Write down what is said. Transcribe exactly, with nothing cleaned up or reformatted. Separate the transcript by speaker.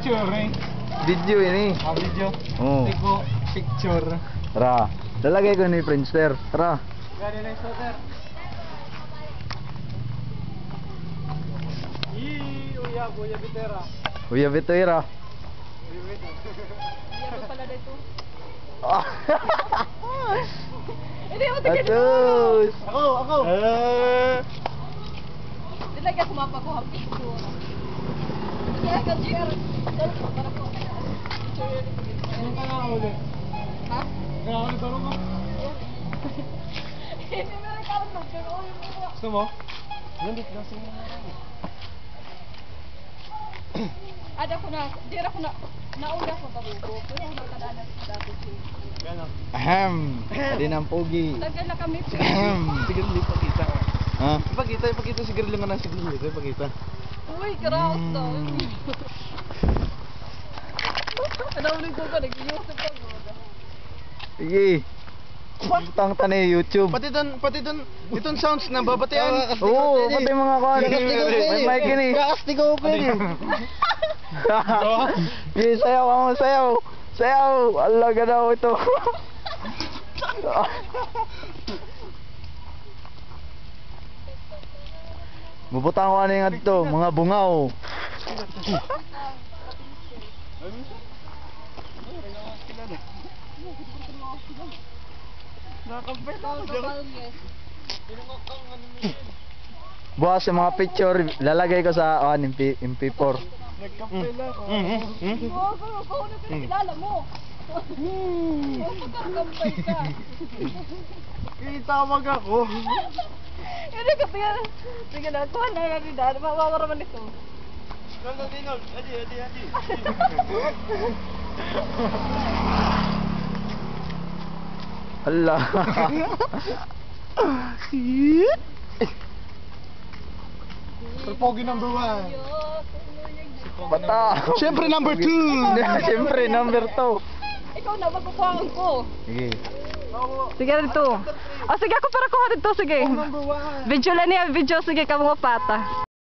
Speaker 1: picture eh.
Speaker 2: Video ini.
Speaker 1: Ah, video.
Speaker 2: Oh.
Speaker 1: Iko picture.
Speaker 2: Tara. Lalagay ko ni Friendster. Tara.
Speaker 1: Gani na sir. Ii, uya, uya bitera.
Speaker 2: Uya Vitera.
Speaker 1: Uya bitera.
Speaker 3: Iya pala dito.
Speaker 2: Ah.
Speaker 3: Hindi mo tigil.
Speaker 2: Atus.
Speaker 1: Ako, ako. Eh.
Speaker 3: Dilagay ako mapakuha ang picture. Kaya ka chair. Para ko.
Speaker 1: Ano ka na ulit?
Speaker 3: Ha?
Speaker 1: Kaya ako nito mo.
Speaker 3: Hindi mo rin karoon ng pero
Speaker 1: Gusto mo? Nandit lang sa mga
Speaker 3: ada ko na, di ra ko na nauna ko babugo, pero nakadanas ko dati siya.
Speaker 1: Gano?
Speaker 2: Ahem. Adi ng pogi.
Speaker 3: Tagal na kami.
Speaker 2: Ahem.
Speaker 1: Sige, ipakita.
Speaker 2: Ha?
Speaker 1: Ipakita, ipakita siguro lang na siguro. Ipakita.
Speaker 3: Uy, karaos to.
Speaker 2: Mm.
Speaker 3: Ano ulit ko ka, nag-iusap ako.
Speaker 2: Sige. Putang tanay YouTube.
Speaker 1: Pati doon, pati doon, itong sounds na babatian.
Speaker 2: Oo, pati mga kuhan. May mic yun eh.
Speaker 1: Kakastigo ko yun.
Speaker 2: Sige, sayaw ka mo, sayaw. Sayaw. Allah ka daw ito. Bubutang ko ano yung adto, mga bungaw. Bukas yung mga picture, lalagay ko sa uh, M P four.
Speaker 1: Nagkapela ko.
Speaker 3: Oo, oo, oo, na pinakilala mo. Pagkakampay ka.
Speaker 1: Kitawag ako.
Speaker 3: Hindi ka, tingnan. Sige na, kuha na nga rin dahil. Mawawara man ito.
Speaker 1: Ganda din, adi, adi, adi.
Speaker 2: Allah.
Speaker 1: Pogi number one.
Speaker 2: Bata.
Speaker 1: Siyempre number two.
Speaker 2: Siyempre number two.
Speaker 3: Ikaw na, magkukuhaan ko.
Speaker 2: Sige.
Speaker 3: Sige dito. O sige, ako para kuha dito, sige.
Speaker 1: Number one.
Speaker 3: Video lang niya, video, sige ka mga pata.